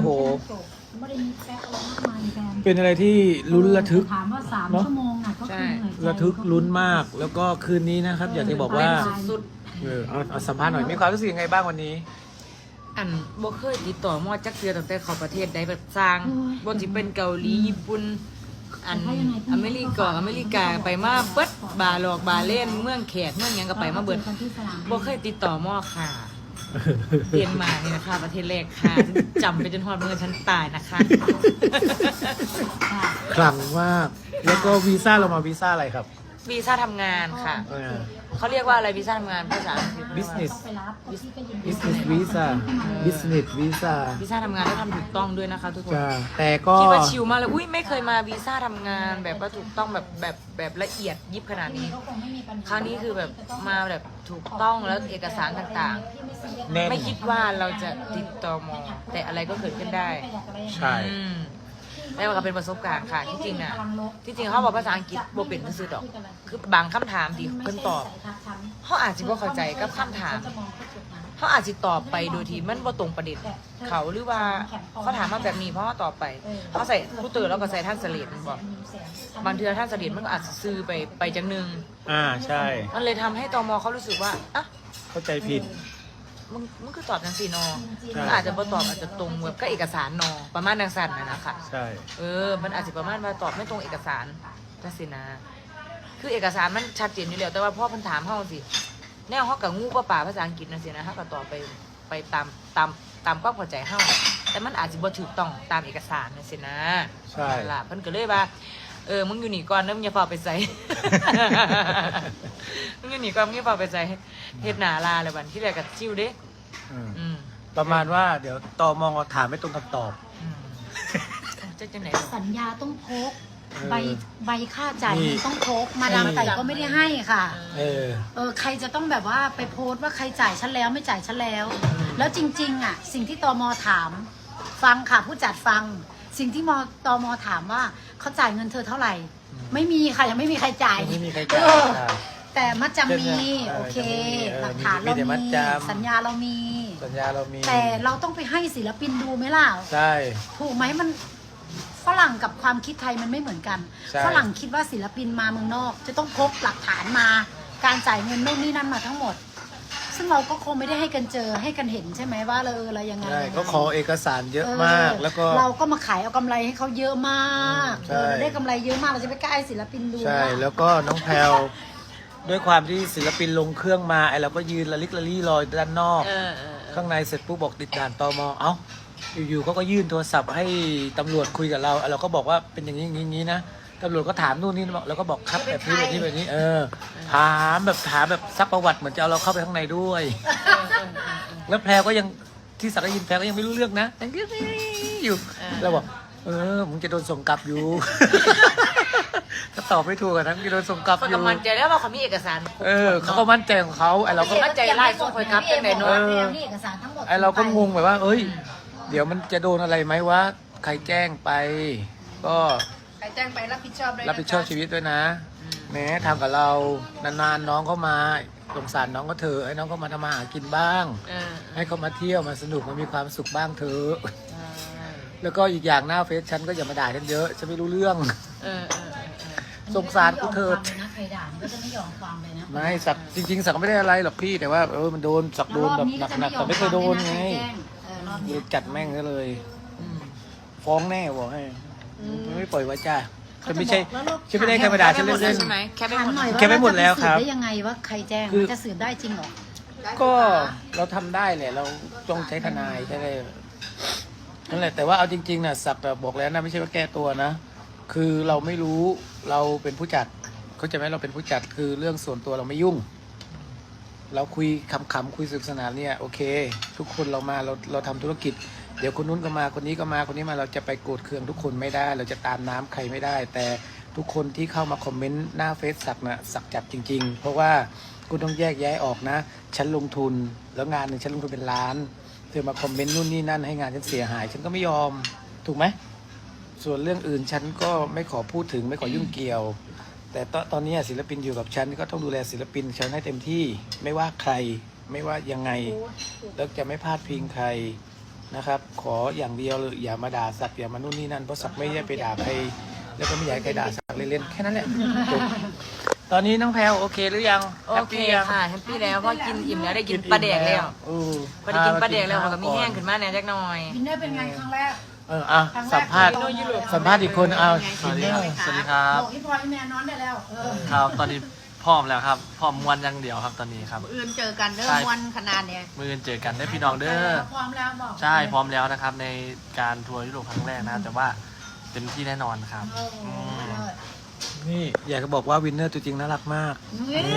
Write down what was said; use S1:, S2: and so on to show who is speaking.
S1: ห
S2: ไม่ได้มีแป๊กอะไรมากมายแฟน
S1: เป็นอะไรที่ลุ้นระทึก
S2: ถามว่า3 ชั่วโมงน่ะก็คือเหนื่อยใจ
S1: ระทึกลุ้นมาก แล้วก็คืนนี้นะครับ อยากจะบอกว่า
S3: สุด
S1: เอาสัมภาษณ์หน่อยมีความรู้สึกยังไงบ้างวันนี้
S3: อันบ่เคยติดต่อมอจักเทือตั้งแต่เข้าประเทศใดแบบสร้างบ่สิเป็นเกาหลีญี่ปุ่นอันอเมริกาไปมาเบิดบาหลอกบาเล่นเมืองแขกเมืองหยังก็ไปมาเบิดบ่เคยติดต่อมอค่ะเรียนมานี่นะคะประเทศแรกค่ะจำไปจนฮอดมื้อฉันตายนะคะ
S1: คลังมาก แล้วก็วีซ่าเรามาวีซ่าอะไรครับ
S3: วีซ่าทำงานค่ะ
S1: เออ
S3: เขาเรียกว่าอะไรวีซ่าทำงานภาษาอังกฤษ
S1: business
S2: ไปรับพี่ก็ยินดี
S1: business visa business visa
S3: วีซ่าทำงานต้องทำถูกต้องด้วยนะคะทุกคน
S1: จ้าแต่ก็
S3: คิดว่าชิลมากเลย อุ้ยไม่เคยมาวีซ่าทำงานแบบว่าถูกต้องแบบละเอียดยิบขนาดนี้
S2: ก็คงไม่มีปัญหา
S3: คราวนี้คือแบบมาแบบถูกต้องแล้วเอกสารต่าง
S1: แน่น
S3: ๆ ไม่คิดว่าเราจะติดต่อมอแต่อะไรก็เกิดขึ้นได้
S1: ใช่
S3: อืมแล้วมันก็เป็นประสบการณ์ค่ะที่จริงอ่ะที่จริงเขาบอกภาษาอังกฤษโบเป็นซื่อๆดอก คือบางคำถามที่เพิ่นตอบเขาอาจจะบ่เข้าใจกับคำถามเขาอาจจะตอบไปโดยที่มันบ่ตรงประเด็นเขาหรือว่าเขาถามมาแบบนี้เพราะว่าตอบไปเขาใส่ผู้เตือนแล้วก็ใส่ท่านเสลียดมันบอกบางเทือท่านเสลียดมันก็อาจจะซื้อไปจังหนึง
S1: ใช่
S3: มันเลยทำให้ตมเขารู้สึกว่าอ่ะ
S1: เข้าใจผิด
S3: มึงคือตอบจังสีนอ
S1: ใช่
S3: มันอาจจะบ่ตอบอาจจะตรงแบบก็เอกสารนอประมาณดังสั่นนะคะ
S1: ใช่
S3: มันอาจจะประมาณว่าตอบไม่ตรงเอกสารจังสินะคือเอกสารมันชัดเจนอยู่แล้วแต่ว่าพ่อเพันถามเฮาสิแนวเฮากับงูป่าภาษาอังกฤษนั่นสินะเฮาก็ตอบไปตามความเข้าใจเฮาแต่มันอาจจะบ่ถูกต้องตามเอกสารนั่นสินะ
S1: ใช่
S3: นั่นล่ะเพิ่นก็เลยว่ามึงอยู่นี่ก่อนเด้อมึงอย่าเฝ้าไปใส่ มึงอยู่นี่ก่อนมึงอย่าเฝ้าไปใส่เฮ็ดหน้าลาเลยบัดที่แรกก็จิ้วเด้
S1: อืม
S3: อืม
S1: ประมาณว่าเดี๋ยวตมถามไม่ตรงคำตอบ
S3: อืมจะจังไหน
S2: สัญญาต้องพก
S1: เออ
S2: ใบค่าจ่าย
S1: นี่
S2: เงินต้องพกมาดามไก่ก็ไม่ได้ให้ค่ะ
S1: เออ
S2: ใครจะต้องแบบว่าไปโพสต์ว่าใครจ่ายฉันแล้วไม่จ่ายฉันแล้ว แล้วจริงๆอ่ะสิ่งที่ตมถามฟังค่ะผู้จัดฟัง สิ่งที่ตมถามว่าเขาจ่ายเงินเธอเท่าไหร่ ไม่มีค่ะยังไม่มีใครจ่าย
S1: ไม่มีใครจ่าย
S2: เออ
S1: ค่ะ
S2: แต่มัดจำมี
S1: เออ
S2: โอเค
S1: ยังมี
S2: หลักฐานเรา
S1: มีแต่มัด
S2: มี
S1: จำ
S2: สัญญาเรามี
S1: สัญญาเรามี
S2: แต่เราต้องไปให้ศิลปินดูไหมล่ะ
S1: ใช่
S2: ถูกไหมมันฝรั่งกับความคิดไทยมันไม่เหมือนกัน
S1: ใช่
S2: ฝรั่งคิดว่าศิลปินมาเมืองนอก จะต้องพกหลักฐานมา การจ่ายเงินนู่นนี่นั่นมาทั้งหมด ซึ่งเราก็คงไม่ได้ให้กันเจอให้กันเห็นใช่ไหมว่าเรายังไง
S1: ใช่
S2: ยังไง
S1: ก็ขอเอกสารเยอะมาก แล้วก็
S2: เราก็มาขายเอากำไรให้เขาเยอะมาก
S1: ใช่
S2: เราได้กำไรเยอะมากเราจะไปกล้าให้ศิลปินดู
S1: ใช่
S2: ล่ะ
S1: แล้วก็น้องแพลวด้วยความที่ศิลปินลงเครื่องมาไอเราก็ยืนละลิกละลี่รอด้านนอก ข้างในเสร็จปุ๊บบอกติดด่านตมเอ้าอยู่ๆเขาก็ยื่นโทรศัพท์ให้ตำรวจคุยกับเราเราก็บอกว่าเป็นอย่างนี้อย่างนี้นะตำรวจก็ถามนู่นนี่เราก็บอกครับแบบนี้แบบนี้แบบนี้ ถามแบบซักประวัติเหมือนจะเอาเราเข้าไปข้างในด้วย แล้วแพรก็ยังที่สักได้ยินแพรก็ยังไม่รู้เรื่องนะยังอยู่เราบอกมึงจะโดนส่งกลับอยู่ ถ้าตอบไม่ถูกอะนะมึงจะโดนส่งกลับ
S3: คน
S1: อยู่
S3: กำมันใจแล้วว่าเขามีเอกสารครบ
S1: เขาก็มั่นใจของเขาไอเราก็
S3: มั่นใจไล่ส่งไปครับจังไหนเนอะ
S2: นี่เอกสารทั้งหมด
S1: ไอเราก็งงแบบว่า เอ้ย เดี๋ยวมันจะโดนอะไรไหมวะใครแจ้งไป ก็
S4: ใครแจ้งไปรับผิดชอบด้วย
S1: รับผิดชอบชีวิตด้วยนะแหม้ทำกับเรานานๆน้องเขามาสงสารน้องก็เถอะให้น้องเขามาทำมาหากินบ้าง ให้เขามาเที่ยวมาสนุกมามีความสุขบ้างเถอะแล้วก็อีกอย่างหน้าเฟซฉันก็อย่ามาด่าฉันเยอะฉันไม่รู้เรื่องสงสารกูเถิด
S2: ใครด่ามันก็จะไม่ยอมความเลยนะ
S1: ไม่สักจริงๆสักไม่ได้อะไรหรอกพี่แต่ว่ามันโดนสักโดนแบบหนักๆแต่ไม่เคยโดนไง
S2: รอบ
S1: เล
S2: นี้
S1: ยจัดแม่งซะเลย ฟ้องแน่บอกให้ไม่ปล่อยไว้จ้าฉันไม่ใช่ฉันไม่ได้ธรรมดาฉันเล่น
S3: ใช่ไหมแค่ไม่หมด
S2: หน่อย
S1: แค่ไม่หมดแล้วครับ
S2: ได้ยังไงว่าใครแจ้ง
S1: คือ
S2: มันจะสืบได้จริงเหรอ
S1: ก็เราทำได้แหละเราต้องใช้ทนายใช่ไหมนั่นแหละแต่ว่าเอาจริงๆนะสักแต่บอกแล้วนะไม่ใช่ว่าแก้ตัวนะ คือเราไม่รู้เราเป็นผู้จัดเขาใจไหมเราเป็นผู้จัดคือเรื่องส่วนตัวเราไม่ยุ่ง เราคุยขำๆคุยสนุกสนานเนี่ยโอเค ทุกคนเรามาเราทำธุรกิจ เดี๋ยวคนนู้นก็มาคนนี้ก็มาคนนี้มาเราจะไปโกรธเคืองทุกคนไม่ได้ เราจะตามน้ำใครไม่ได้ แต่ทุกคนที่เข้ามาคอมเมนต์หน้าเฟซสักนะสักจัดจริง ๆ เพราะว่าคุณต้องแยกแยะออกนะ ฉันลงทุนแล้วงานหนึ่งฉันลงทุนเป็นล้านเธอมาคอมเมนต์นู่นนี่นั่นให้งานฉันเสียหาย ฉันก็ไม่ยอมถูกไหมส่วนเรื่องอื่นฉันก็ไม่ขอพูดถึงไม่ขอยุ่งเกี่ยว แต่ตอนนี้ศิลปินอยู่กับฉันก็ต้องดูแลศิลปินฉันให้เต็มที่ไม่ว่าใครไม่ว่ายังไงแล้วจะไม่พลาดพิงใครนะครับ ขออย่างเดียวเลยอย่ามาด่าสักอย่ามานู่นนี่นั่นเพราะสักไม่ได้ไปด่าใครแล้วก็ไม่อยากให้ใครด่าสักเล่นๆแค่นั้นแหละจบตอนนี้น้องแพลวโอเคหรือยัง
S3: โอ
S1: แฮป
S3: เค
S1: ปี้ยัง
S3: ค่ะแฮปปี้แล้วเพราะกินอิ่มแล้วได้กินปลาแดกแล้ว พอได้กินปลาแดกแล้วเขาก็มีแห้งขึ้นมาแหน่จักหน่อย
S2: วินเนอร์เป็นไงครั้งแรก
S1: อ่ะสัมภาษณ์อีกคนเอา
S5: สวัสดีครับสวัสดีครับ
S2: บอกพี่พลอยพี่แมนนอนได้แล้ว
S5: ครับ ตอนนี้พร้อมแล้วครับ พร้อมมวนอย่างเดียวครับตอนนี้ครับ
S4: อื่นเจอกันเริ่
S5: ใช่
S4: มวันขนาดเนี้ย
S5: มือเจอกันได้พี่น้องเด้อ
S2: พร้อมแล้วบอก
S5: ใช่พร้อมแล้วนะครับ ในการทัวร์ยุโรปครั้งแรกนะครับแต่ว่าเต็มที่แน่นอนครับ
S2: โอ้โห
S5: อืม
S1: นี่อยากจะบอกว่าวินเนอร์ตัวจริงน่ารักมาก
S2: เฮ้ย